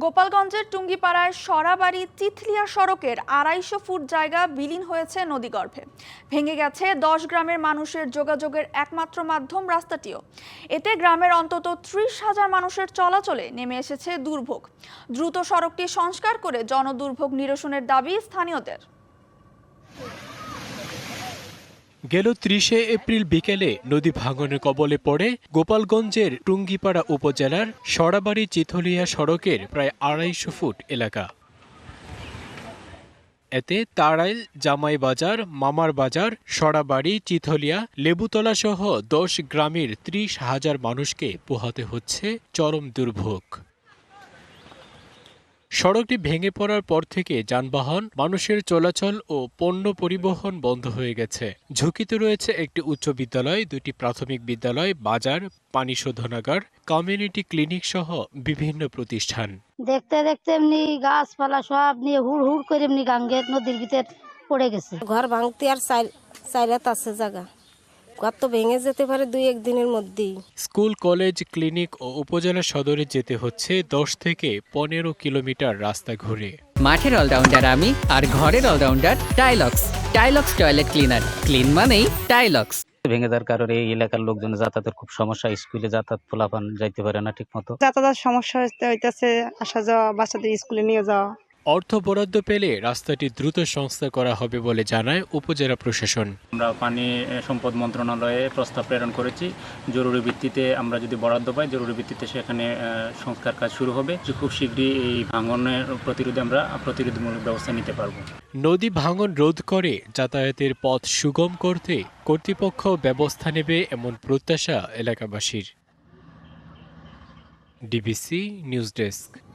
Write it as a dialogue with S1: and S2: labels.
S1: গোপালগঞ্জের টুঙ্গিপাড়ায় সরাবাড়ি চিথলিয়া সড়কের ২৫০ ফুট জায়গা বিলীন হয়েছে নদীগর্ভে। ভেঙে গেছে ১০ গ্রামের মানুষের যোগাযোগের একমাত্র মাধ্যম রাস্তাটিও। এতে গ্রামের অন্তত ৩০,০০০ মানুষের চলাচলে নেমে এসেছে দুর্ভোগ। দ্রুত সড়কটি সংস্কার করে জনদুর্ভোগ নিরসনের দাবি স্থানীয়দের।
S2: গেল ৩০ এপ্রিল বিকেলে নদী ভাঙনের কবলে পড়ে গোপালগঞ্জের টুঙ্গিপাড়া উপজেলার সরাবাড়ি চিথলিয়া সড়কের প্রায় ২৫০ ফুট এলাকা। এতে তাড়াইল, জামাই বাজার, মামার বাজার, সরাবাড়ি, চিথলিয়া, লেবুতলা সহ ১০ গ্রামের ৩০,০০০ মানুষকে পোহাতে হচ্ছে চরম দুর্ভোগ। সড়কটি ভেঙে পড়ার পর থেকে যানবাহন, মানুষের চলাচল ও পণ্য পরিবহন বন্ধ হয়ে গেছে। ঝুঁকিতে রয়েছে একটি উচ্চ বিদ্যালয়, ২টি প্রাথমিক বিদ্যালয়, বাজার, পানি শোধনাগার, কমিউনিটি ক্লিনিক সহ বিভিন্ন প্রতিষ্ঠান।
S3: দেখতে দেখতে এমনি গাছপালা সব নিয়ে হুড় হুড় করে এমনি গাঙ্গের নদীর ভিতর পড়ে গেছে।
S4: ঘর ভাঙতে আর চাইরাত আছে জায়গা, ঘর তো ভেঙে যেতে পারে ২-১ দিনের মধ্যেই।
S2: স্কুল, কলেজ, ক্লিনিক ও উপজেলা সদরে যেতে হচ্ছে ১০ থেকে ১৫ কিলোমিটার রাস্তা ঘুরে।
S5: মাঠের অলরাউন্ডার আমি, আর ঘরের allrounder Tylox. Tylox toilet cleaner, clean মানেই টাইলক্স।
S6: ভেঙে যাওয়ার কারণে এই এলাকার লোকজন যাতায়াতের খুব সমস্যা, স্কুলে যাতায়াত পোলাপান যাইতে পারে না ঠিক মতো।
S7: যাতায়াত সমস্যা হইতেছে, আসা যাওয়া, বাচ্চাদের স্কুলে নিয়ে যাওয়া।
S2: অর্থ বরাদ্দ পেলে রাস্তাটি দ্রুত সংস্কার করা হবে বলে জানায় উপজেলা প্রশাসন।
S8: আমরা পানি সম্পদ মন্ত্রণালয়ে প্রস্তাব প্রেরণ করেছি। জরুরি ভিত্তিতে আমরা যদি বরাদ্দ পাই, জরুরি ভিত্তিতে সেখানে সংস্কার কাজ শুরু হবে। খুব শীঘ্রই এই ভাঙনের প্রতিরোধে আমরা প্রতিরোধমূলক ব্যবস্থা নিতে পারব।
S2: নদী ভাঙন রোধ করে যাতায়াতের পথ সুগম করতে কর্তৃপক্ষ ব্যবস্থা নেবে এমন প্রত্যাশা এলাকাবাসীর। DBC news desk.